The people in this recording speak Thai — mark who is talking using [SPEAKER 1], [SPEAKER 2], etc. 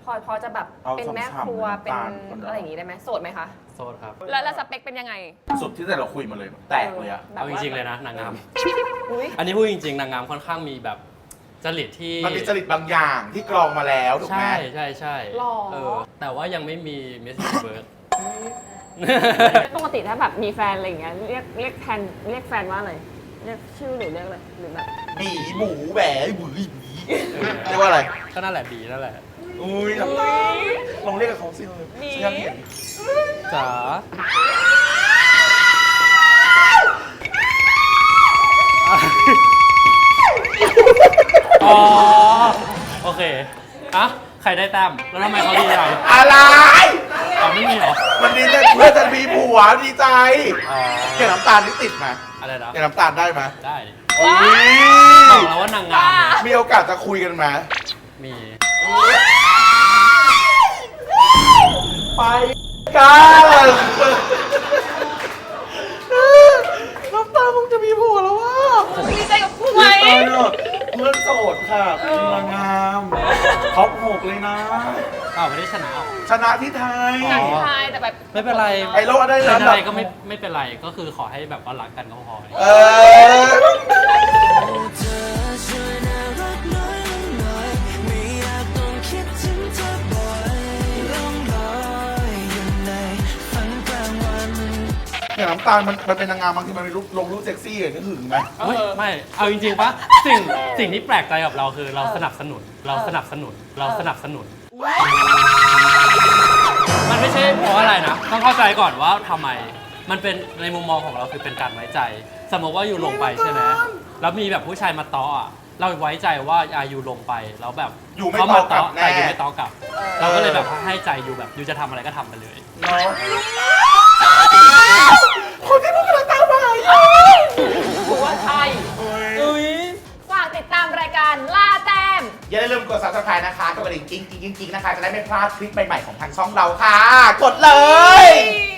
[SPEAKER 1] พอจะแบบเป็นแม่ครัวเป็นอะไรอย่างงี้ได้ไหมโสดไหมคะ
[SPEAKER 2] โสดครับ
[SPEAKER 1] แล้วสเปคเป็นยังไง
[SPEAKER 3] สุดที่แต่เราคุยมาเลยแตกเลยอะ
[SPEAKER 2] เอาจริงๆเลยนะนางงาม
[SPEAKER 1] อุ๊ย
[SPEAKER 2] อันนี้พูดจริงๆนางงามค่อนข้างมีแบบจริตที่
[SPEAKER 3] มันมีจริตบางอย่างที่กรองมาแล้วถูกไหม
[SPEAKER 2] ใช่
[SPEAKER 1] หรอ
[SPEAKER 2] แต่ว่ายังไม่มีมิสเบิร์ด
[SPEAKER 1] ปกติถ้าแบบมีแฟนอะไรอย่างเงี้ยเรียกแฟนว่าอะไรเรียกชื่อหรือเรียกอะไรหรือแบบ
[SPEAKER 3] บีหมูแหวหวีบีเรียกว่าอะไร
[SPEAKER 2] ก็นั่นแหละบีนั่นแหละ
[SPEAKER 3] อุ้ยน้ำตาลองเรียกกับเขาสิเลยฉันอยากเห็น
[SPEAKER 2] จ๋าอ๋อโอเคอะใครได้แต้มแล้วทำไมเขาดีใจ
[SPEAKER 3] อะไร
[SPEAKER 2] อ๋อไม่มีเหรอ
[SPEAKER 3] มันดีใจเพื่อนจะมีผัวดีใจ
[SPEAKER 2] อ๋อ
[SPEAKER 3] แกน้ำตาลนี่ติดไหม
[SPEAKER 2] อะไรนะ
[SPEAKER 3] แกน้ำตาลได้ไหม
[SPEAKER 2] ได้ดิ
[SPEAKER 3] อุ๊ย
[SPEAKER 2] บอกแล้วว่านางงามเนี่ย
[SPEAKER 3] มีโอกาสจะคุยกันไหม
[SPEAKER 2] มี
[SPEAKER 3] ไปกันน้ำตาลมึงจะมีผัวแล้วว่ะ
[SPEAKER 1] ดีใจกับกูไหม
[SPEAKER 3] เพื่อนโสดค่ะเป็นนางงามท็อป6เลยนะ
[SPEAKER 2] อ้าวไม่ได้ชนะหรอ
[SPEAKER 3] ชนะที่ไทย
[SPEAKER 1] หนังไทยแต่แบบ
[SPEAKER 2] ไม่เป็นไร
[SPEAKER 3] ไอโลได้
[SPEAKER 2] เป็น
[SPEAKER 3] แล้ว
[SPEAKER 2] อะไรก็ไม่เป็นไรก็คือขอให้แบบว่ารักกันก็พอ
[SPEAKER 3] เออ อย่างน้ำตาลมันเป็นนางงามบางทีมันมีลงรูปเซ็กซี่อย่างนี้หึงไหม
[SPEAKER 2] เฮ้ยไม่เอาจริงๆปะสิ่งที่แปลกใจกับเราคือเราสนับสนุน มันไม่ใช่เพราะอะไรนะต้องเข้าใจก่อนว่าทำไมมันเป็นในมุมมองของเราคือเป็นการไว้ใจ สมมติว่าอยู่ลงไปใช่ไหมแล้วมีแบบผู้ชายมาต้ออ่ะเราไว้ใจว่าอยู่ลงไปแล้วแบบ
[SPEAKER 3] อยู่ไม่
[SPEAKER 2] เขา
[SPEAKER 3] ต
[SPEAKER 2] มา
[SPEAKER 3] อบกลั
[SPEAKER 2] ต้
[SPEAKER 3] บ
[SPEAKER 2] อ
[SPEAKER 3] แน่
[SPEAKER 2] แต่อยู่ไม่ต้อกลับ เราก็เลยแบบให้ใจอยู่แบบอยู่จะทำอะไรก็ทำไปเลย
[SPEAKER 3] เนาะคนที่พูดกำลังตามมาอยู่
[SPEAKER 1] กูว่าใช่ฝากติดตามรายการล่าแต้ม
[SPEAKER 3] อย่าลืมกด subscribe นะคะกดกระดิ่งกิ๊งนะคะ จะได้ไม่พลาดคลิปใหม่ๆของทางช่องเราค่ะ กดเลย